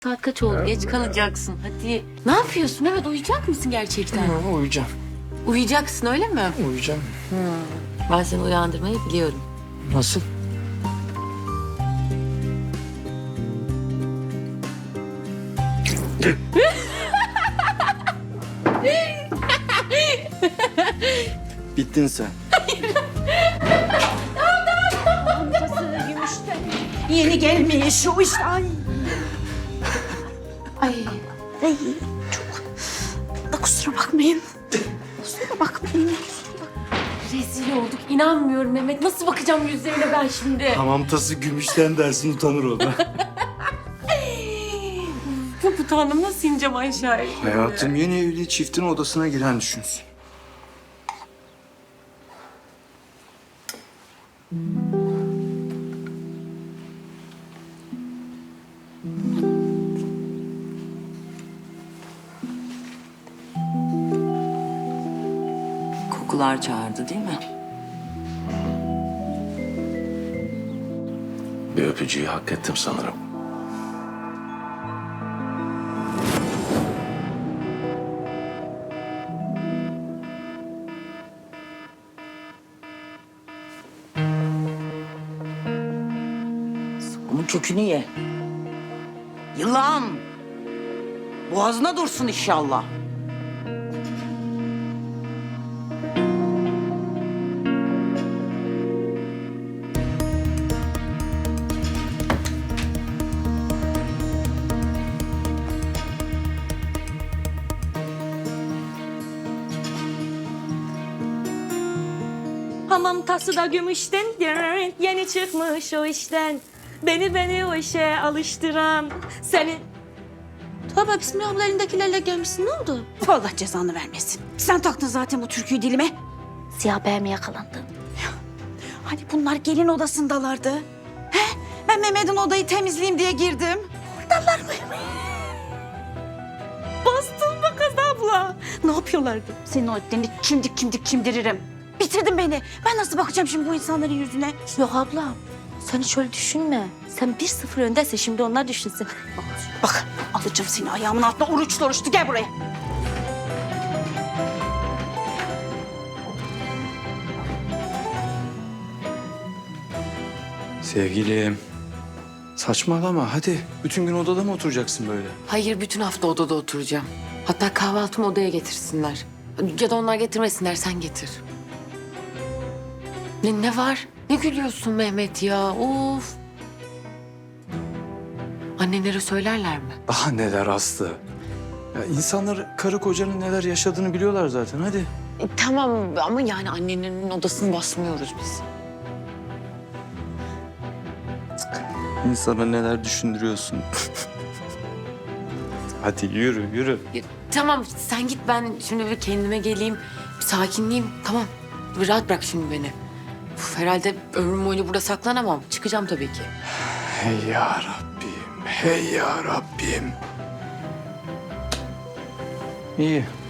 Saat kaç oldu? Geç kalacaksın. Hadi. Ne yapıyorsun Mehmet? Uyuyacak mısın gerçekten? Uyuyacağım. Uyuyacaksın öyle mi? Uyuyacağım. Ben seni uyandırmayı biliyorum. Nasıl? Bittin sen. Yeni gelmiş o işte. Ay. Ay. Ay çok. Da kusura bakmayın. Kusura bakmayın. Rezil olduk. İnanmıyorum Mehmet. Nasıl bakacağım yüzlerine ben şimdi? Hamam tası gümüşten dersin utanır o da. Çok utandım. Nasıl ineceğim aşağıya? Hayatım yeni evli çiftin odasına giren düşünsün. Kokular çağırdı değil mi? Bir öpücüğü hak ettim sanırım. Onun kökünü ye. Yılan. Boğazına dursun inşallah. Hamam tası da gümüşten yeni çıkmış o işten. Beni o işe alıştıran seni... Tövbe bismillah abla elindekilerle gelmişsin, ne oldu? Allah cezanı vermesin. Sen taktın zaten bu türküyü dilime. Siyah beye mi yakalandın? Hani bunlar gelin odasındalardı. He? Ben Mehmet'in odayı temizleyeyim diye girdim. Oradalar mı? Bastın be kız abla. Ne yapıyorlardı? Senin o etlerini çimdiririm. Bitirdin beni. Ben nasıl bakacağım şimdi bu insanların yüzüne? Yok abla, sen hiç öyle düşünme. Sen 1-0 öndesin, şimdi onlar düşünsün. Bak alacağım seni ayağımın altına oruçlu oruçlu. Gel buraya. Sevgilim. Saçmalama hadi. Bütün gün odada mı oturacaksın böyle? Hayır, bütün hafta odada oturacağım. Hatta kahvaltımı odaya getirsinler. Ya da onlar getirmesinler, sen getir. Ne var? Ne gülüyorsun Mehmet ya? Of. Annenlere söylerler mi? Daha neler Aslı? Ya insanlar karı kocanın neler yaşadığını biliyorlar zaten hadi. Tamam ama yani annenin odasını basmıyoruz biz. İnsana neler düşündürüyorsun. Hadi yürü. Tamam sen git, ben şimdi bir kendime geleyim. Bir sakinleyeyim. Tamam. Bir rahat bırak şimdi beni. Uf, herhalde ömrüm boyunca burada saklanamam. Çıkacağım tabii ki. Hey ya Rabbim, hey ya Rabbim. İyi,